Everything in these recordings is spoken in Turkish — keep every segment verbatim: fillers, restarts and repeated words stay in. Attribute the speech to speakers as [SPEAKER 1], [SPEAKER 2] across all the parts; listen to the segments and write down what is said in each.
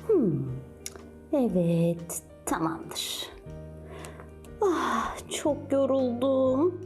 [SPEAKER 1] Hmm. Evet, tamamdır. Ah, çok yoruldum.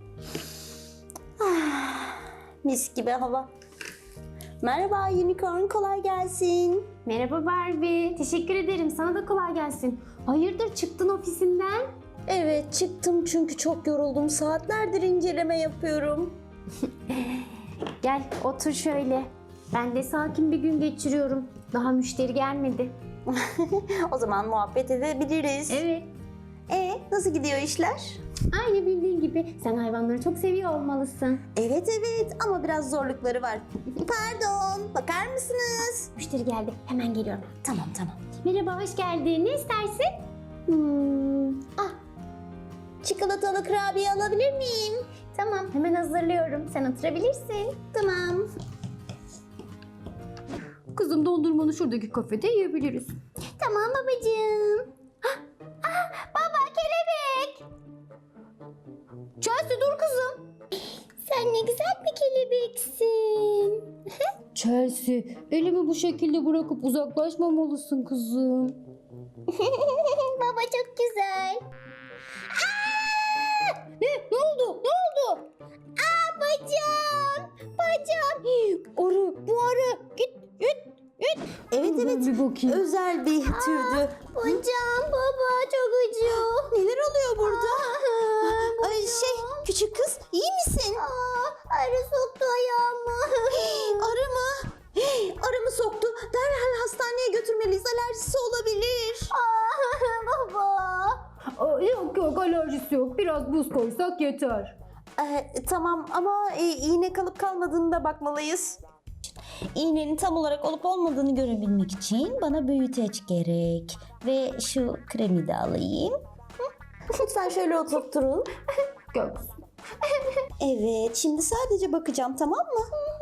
[SPEAKER 1] Ah, mis gibi hava. Merhaba Unicorn, kolay gelsin.
[SPEAKER 2] Merhaba Barbie. Teşekkür ederim. Sana da kolay gelsin. Hayırdır çıktın ofisinden?
[SPEAKER 1] Evet, çıktım çünkü çok yoruldum. Saatlerdir inceleme yapıyorum.
[SPEAKER 2] Gel otur şöyle. Ben de sakin bir gün geçiriyorum. Daha müşteri gelmedi.
[SPEAKER 1] O zaman muhabbet edebiliriz.
[SPEAKER 2] Evet.
[SPEAKER 1] E, nasıl gidiyor işler?
[SPEAKER 2] Aynı bildiğin gibi. Sen hayvanları çok seviyor olmalısın.
[SPEAKER 1] Evet evet ama biraz zorlukları var. Pardon, bakar mısınız?
[SPEAKER 2] Müşteri geldi. Hemen geliyorum.
[SPEAKER 1] Tamam tamam.
[SPEAKER 2] Merhaba, hoş geldin. Ne istersin?
[SPEAKER 1] Hmm, ah, çikolatalı kurabiye alabilir miyim?
[SPEAKER 2] Tamam, hemen hazırlıyorum. Sen oturabilirsin.
[SPEAKER 1] Tamam.
[SPEAKER 2] Kızım, dondurmanı şuradaki kafede yiyebiliriz.
[SPEAKER 1] Tamam babacığım.
[SPEAKER 2] Baba, kelebek! Chelsea, dur kızım.
[SPEAKER 1] Sen ne güzel bir kelebeksin.
[SPEAKER 2] Chelsea, elimi bu şekilde bırakıp uzaklaşmamalısın kızım.
[SPEAKER 1] Baba çok güzel.
[SPEAKER 2] Ne? Ne oldu? Ne oldu?
[SPEAKER 1] Aa bacağım. Bacağım.
[SPEAKER 2] Arı, bu arı. Git, git, git.
[SPEAKER 1] Evet
[SPEAKER 2] Ben
[SPEAKER 1] evet.
[SPEAKER 2] bir bakayım.
[SPEAKER 1] Özel bir türdü.
[SPEAKER 2] Bacağım baba, çok acıyor.
[SPEAKER 1] Neler oluyor burada? Ay şey küçük kız iyi misin?
[SPEAKER 2] Arı soktu ayağımı.
[SPEAKER 1] Arı mı? Arı mı soktu? Derhal hastaneye götürmeliyiz. Alerjisi olabilir.
[SPEAKER 2] Baba. Yok yok, alerjisi yok. Biraz buz koysak yeter.
[SPEAKER 1] Ee, tamam ama e, iğne kalıp kalmadığını da bakmalıyız. İğnenin tam olarak olup olmadığını görebilmek için bana büyüteç gerek. Ve şu kremi de alayım. Hı? Lütfen şöyle oturtturun.
[SPEAKER 2] Gel kızım.
[SPEAKER 1] Evet, şimdi sadece bakacağım, tamam mı?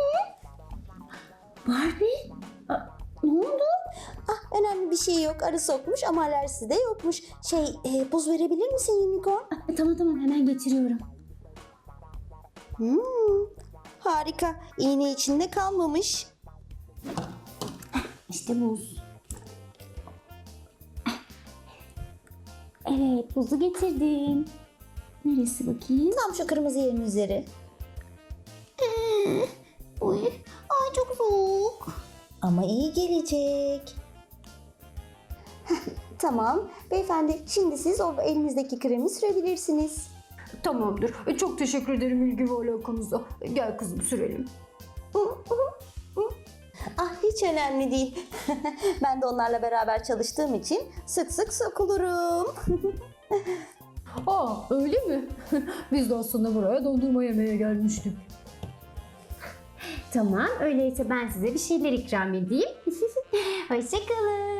[SPEAKER 1] Barbie? Aa, ne oldu? Ah, önemli bir şey yok. Arı sokmuş ama alerjisi de yokmuş. Şey, e, buz verebilir misin Unicorn?
[SPEAKER 2] Tamam tamam, hemen getiriyorum.
[SPEAKER 1] Hmm, harika. İğne içinde kalmamış.
[SPEAKER 2] İşte buz. Evet, buzu getirdim. Neresi bakayım?
[SPEAKER 1] Tam şu kırmızı yerin üzeri.
[SPEAKER 2] Uy, ay çok soğuk.
[SPEAKER 1] Ama iyi gelecek. Tamam. Beyefendi, şimdi siz o elinizdeki kremi sürebilirsiniz.
[SPEAKER 2] Tamamdır. E, Çok teşekkür ederim ilgi ve alakanıza. Gel kızım, sürelim.
[SPEAKER 1] Ah, hiç önemli değil. Ben de onlarla beraber çalıştığım için sık sık sokulurum.
[SPEAKER 2] Aa, öyle mi? Biz de aslında buraya dondurma yemeye gelmiştik. Tamam, öyleyse ben size bir şeyler ikram edeyim. Hoşçakalın.